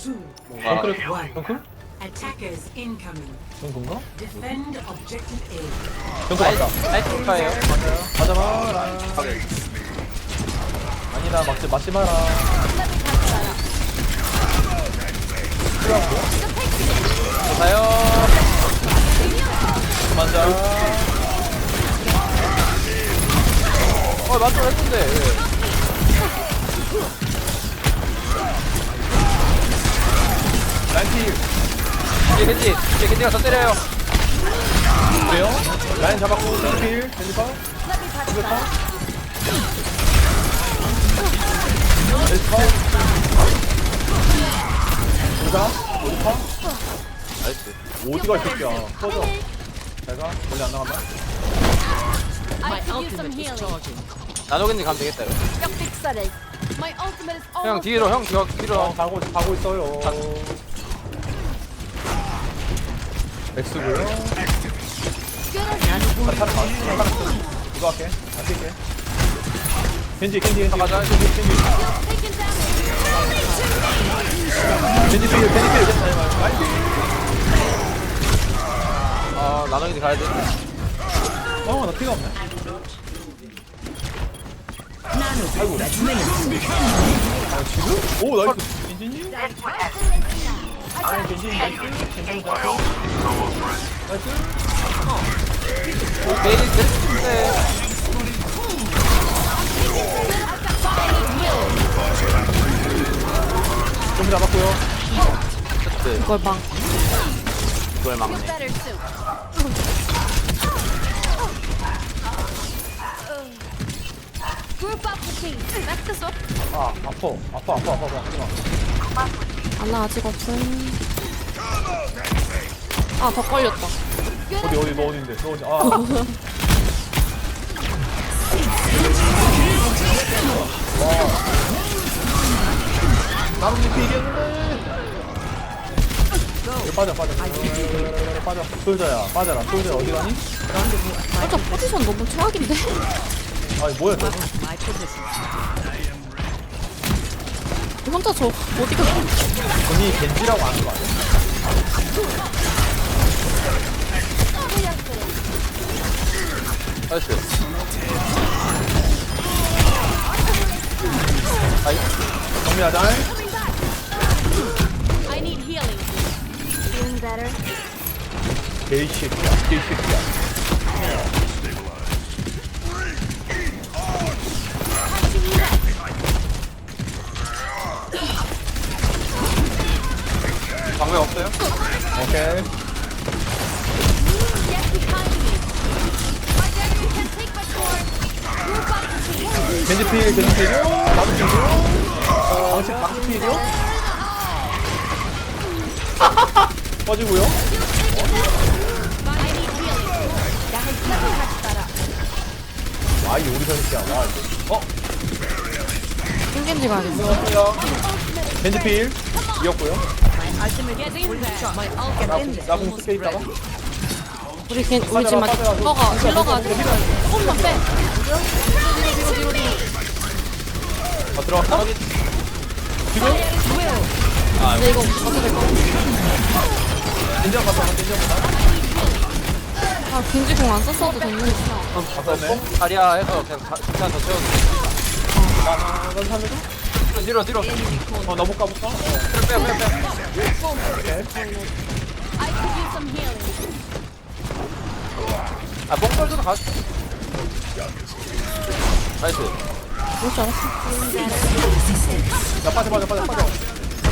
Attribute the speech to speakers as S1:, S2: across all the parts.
S1: 뭔가
S2: 덩크?
S3: Attackers incoming.
S2: 덩크인가?
S3: Defend objective A.
S2: 덩크 맞다.
S1: 나이스카예요.
S2: 맞아봐라.
S1: 오케이.
S2: 아니다, 맞지 마라.
S1: 가요.
S2: 맞아.
S1: 맞죠 했는데.
S2: 라인필.
S1: 이제 겐지가 더 때려요.
S2: 그래요? 라인 잡았고, 라인필. 겐지파. 겐지파. 겐지파. 오자.
S1: 나이스.
S2: 어디가 이 새끼야. 꺼져. 잘가. 멀리 안 나간다.
S4: I could use some healing.
S1: 나노 겐지 가면 되겠다 이거.
S4: 뼈 빅살을. My ultimate is
S1: 형
S4: almost
S1: 뒤로 형 뒤로.
S2: 가고 있어요. X고요.
S4: good on you.
S2: 타를 맞. 이거 할게. 안 뛸게. 겐지.
S1: 가자.
S2: 겐지 필.
S1: 나노 겐지 가야 돼.
S2: 나 피가 없네. 아이고. 지금? 오, 나이스. 겐지님? 겐지. 나이스.
S1: 메인 됐는데.
S2: 좀 잡았고요.
S1: 이걸 막네.
S4: better soon. Group up the team. Back this up.
S2: 아파. 하지마.
S5: 안나 아직 없음. 아, 더 걸렸다.
S2: 어디, 너 어딘데? 너 어디? 아. 나는 이렇게 이겼는데. 빠져. 솔저야, 빠져라. 솔저 어디 가니?
S5: 살짝 포지션 너무 최악인데?
S2: 아니, 뭐야, 너.
S5: 혼자 저 어디가.
S2: 본인이 겐지라고 아는 거 아니야?
S1: 나이스.
S2: 정리하자.
S4: I need healing. Feeling better?
S2: 개새끼야.
S1: 방법 없어요?
S2: 오케이.
S4: Get behind me. My dagger can't take my sword. Group up the team.
S2: 겐지필이요? 나도 필이요? 방치필이요? 빠지고요.
S4: I need healing.
S2: 아, 이 우리 선수야. 와, 이거.
S5: 땡겐지 가야겠어.
S2: 겐지필. 이었고요.
S4: Get in there.
S2: 나공 쓸게 있다가.
S5: 우리 지금 딜러가 조금만 빼.
S2: 들어갔다. 지금?
S5: 근데 이거 어떻게 될까?
S2: 인정 갔다.
S5: 아, 겐지공 안 썼어도 됐는데.
S2: 갔었네.
S1: 다리야 해서 그냥 그냥 더 채워줘.
S2: 넌 살려줘?
S1: 뒤로.
S2: 나 못 가볼까?
S1: 빼.
S4: I could use some healing.
S1: 뽕떨줘도 가. 나이스.
S5: 뭘 줄 알았어?
S2: 야, 빠져. 나이스.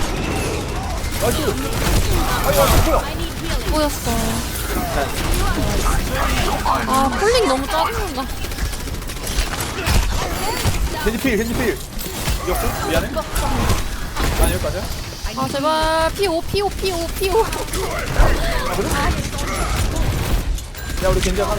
S2: 아유, 뭐야?
S4: I need healing.
S5: 꼬였어. 아, 폴링 너무 짜증난다.
S2: 겐지필. 이었고? 미안해. 난 여기까지야.
S5: 아, 제발. 피오.
S2: 야, 우리 겐지야,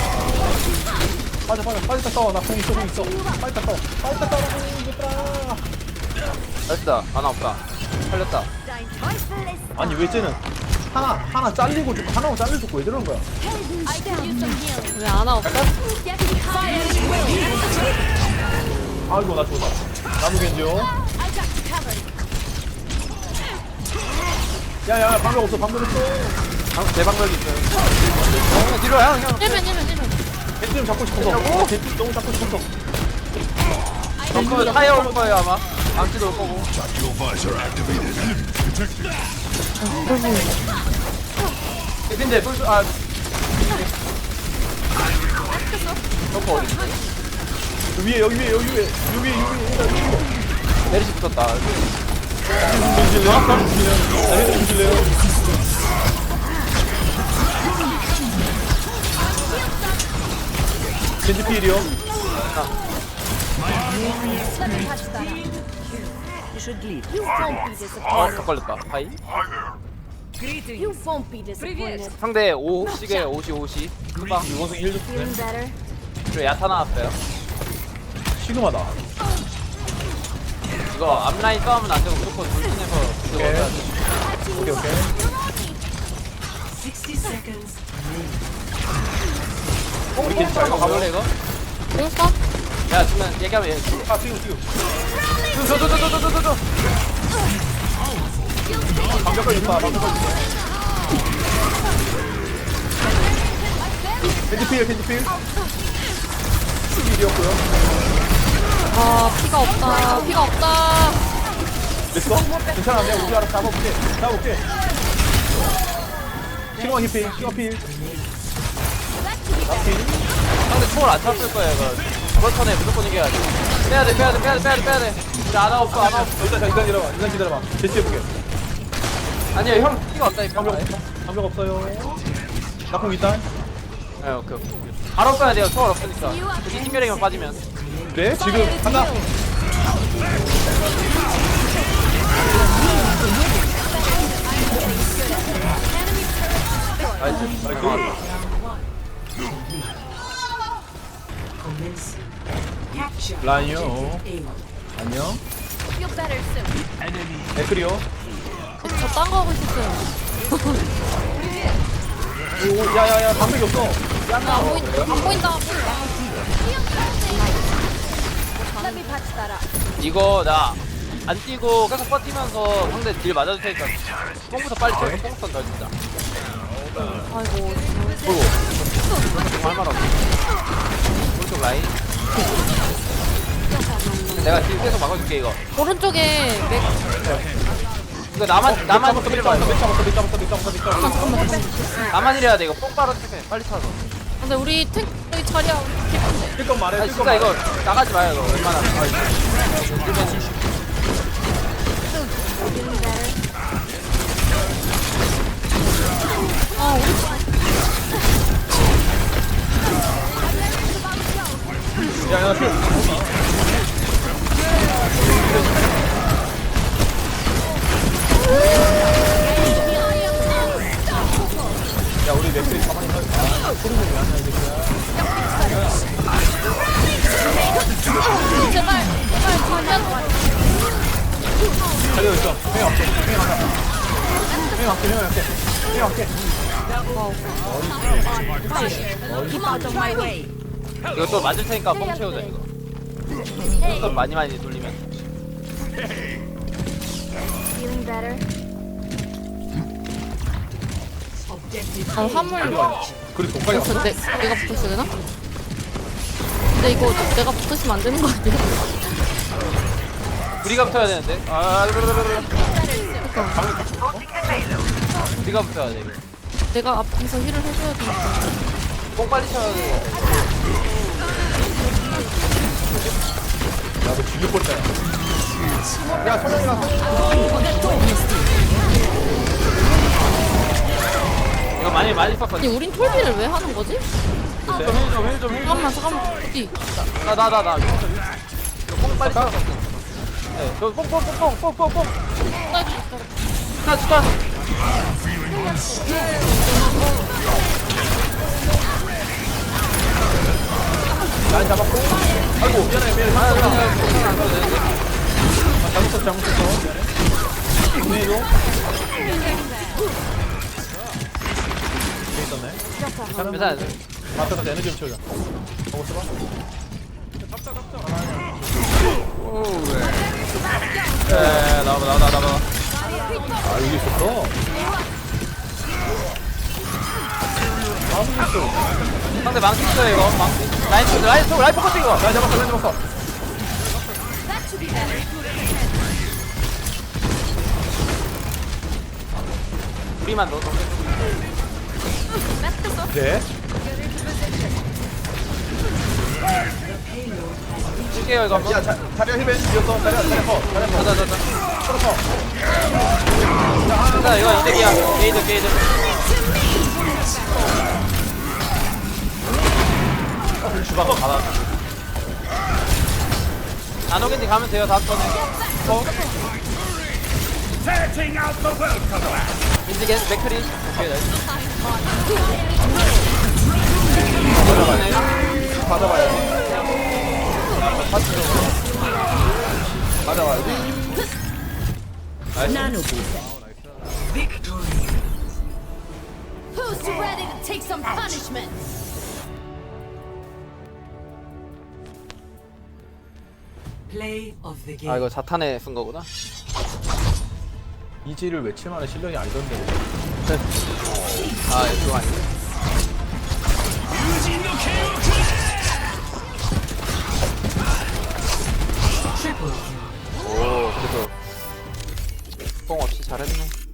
S2: 빠져. 싸워. 나 공 있어. 빨리 싸워. 이겼다.
S1: 나이스다. 하나 없다. 살렸다.
S2: 아니, 왜 쟤는 하나 잘리고 죽고, 하나고 잘리고 죽고 왜 저러는 거야?
S4: I could use some healing.
S5: 왜 안 하고?
S4: Get behind me.
S2: 아이고, 나 죽었다. 나무 겐지요.
S4: I got you covered.
S2: 야야 방금 없어 방금 없어.
S1: 내 방벽이 있어요. 형 뒤로 형.
S5: 1면.
S2: 겐지 좀 잡고 싶어서. 겐지 너무 잡고 싶어서.
S1: 그 타이어 올 거예요 아마. 암치도 올 거고. 근데 아 저거 어디 있어?
S2: 여기 위에
S1: 메리시 붙었다.
S2: 주실래요? 겐지 필이요.
S4: Let me touch that up.
S3: You should leave.
S4: You won't be
S1: 아,
S4: disappointed.
S1: 더 걸렸다. 하이.
S4: You won't be disappointed.
S1: 상대 5씩에 50. 후방.
S2: 이원승 1 줬네.
S4: Feeling better?
S1: 저 야타 나왔어요.
S2: 시그마다.
S1: 이거 앞라인 싸우면 안 되고 무조건 돌진해서 그거
S2: 오케이.
S1: 해야 돼.
S2: 오케이.
S3: 60 seconds.
S1: 우리 겐지 잘 가볼래 이거?
S5: 공써?
S1: 야 지금 얘기하면 얘.
S2: 아 지금.
S1: 저.
S2: 방벽까지 있다. 겐지 필. 필이었고요.
S5: 아 피가 없다.
S2: 됐어? 괜찮아. 내가 우리 알아서 잡아볼게. 시그마 필.
S1: 상대 총을 안 찼을 거예요 이거. 이번 턴에 무조건 이겨야지. 빼야돼. 우리 아나 없어.
S2: 일단 기다려봐. 대치해볼게.
S1: 아니야 형 피가 없다니까.
S2: 방벽 없어요. 나쁜 있다.
S1: 네 오케이. 바로 빼야 돼요. 총알 없으니까. 굳이 팀별이만 빠지면.
S2: 그래? 지금 간다.
S3: Commence. Capture.
S2: 라인이요.
S3: A.
S2: 안녕.
S4: Feel better soon.
S2: 에크리요.
S5: 저 딴 거 하고 있었어요.
S2: 오, 야야야 방벽이 없어.
S5: 안 보인다.
S4: Let me patch that up.
S1: 이거 나 안 뛰고 계속 버티면서 상대 딜 맞아줄 테니까 뽕부터 빨리 쳐서 뽕부터 더 진짜.
S5: 아이고.
S1: 할말 없어. 오른쪽 라인. 내가 딜 계속 막아줄게 이거.
S5: 오른쪽에 맥.
S1: 이거 나만 딜 봐요.
S2: 잡았어.
S1: 나만 이래야 돼 이거. 뽕 빨아 체크해. 빨리 차서.
S5: 근데 우리 탱 여기 자리야.
S2: 뜰건 말해.
S1: 아니 진짜 이거 나가지 마요 이거. 웬만하면.
S4: Feeling better?
S5: 아 우리
S2: 야야 필. 야 우리 맥스리 가만히 서 있어. 소리 좀 왜안 나이 새끼야.
S5: 제발
S2: 달려있어. 형 할게.
S3: Keep out of my way.
S1: 이거 또 맞을 테니까 뽕 채우자 이거. 또 많이 돌리면.
S4: Feeling better?
S3: Objective
S5: 아 화물.
S2: 그래 독하게 왔어.
S5: 내가 붙었어야 되나? 근데 이거 내가 붙으시면 안 되는 거 아니야?
S1: 우리가 붙어야 되는데. 우리가 붙어야 돼 이거.
S5: 내가 앞에서 힐을 해줘야 되니까.
S1: 뽕 빨리 쳐야 돼.
S2: 야너 죽일 뻔했다. 야 소령이랑
S1: 이거 많이
S5: 아니
S1: 썼거든.
S5: 우린 톨비를 왜 하는 거지?
S1: 힐좀.
S5: 잠깐만 어디?
S1: 나. 이거 뽕 빨리 쳐. 네, 저 뽕. 축하.
S2: 날 잡았고. 아이고 미안해. 잘못했어. 미안해. 이거. 있었네.
S1: 괜찮아.
S2: 맞춰서 에너지 좀 채우자. 보고 있어봐.
S1: 나와봐.
S2: 아 여기 있었어.
S1: 상대 망치 있어요 이거 망치 라인 포커싱 이거
S2: 나 잡았어 나 잡았어.
S4: That should be better.
S1: 우리만 넣어
S2: 네.
S1: 쓸게요 이거 한번
S2: 야 자리야 힐벤 이었어. 자리야 커. 자리야 커.
S1: 자자자자
S2: 커.
S1: 일단 이거 이득이야 게이드
S2: 주방 받아.
S1: 나노겐지 가면 돼요 다음 턴에 인지 겐 맥크리 오케이 나이스
S2: 받아봐야지. 받아봐야지.
S3: Victory.
S4: Who's ready to take some punishment?
S3: Play of the game.
S1: 아 이거 자탄에 쓴 거구나
S2: 이지를 외칠 만한 실력이 아니던데.
S1: 아 이거 아니네
S3: Triple kill.
S1: 오 그래도 뽕 없이 잘했네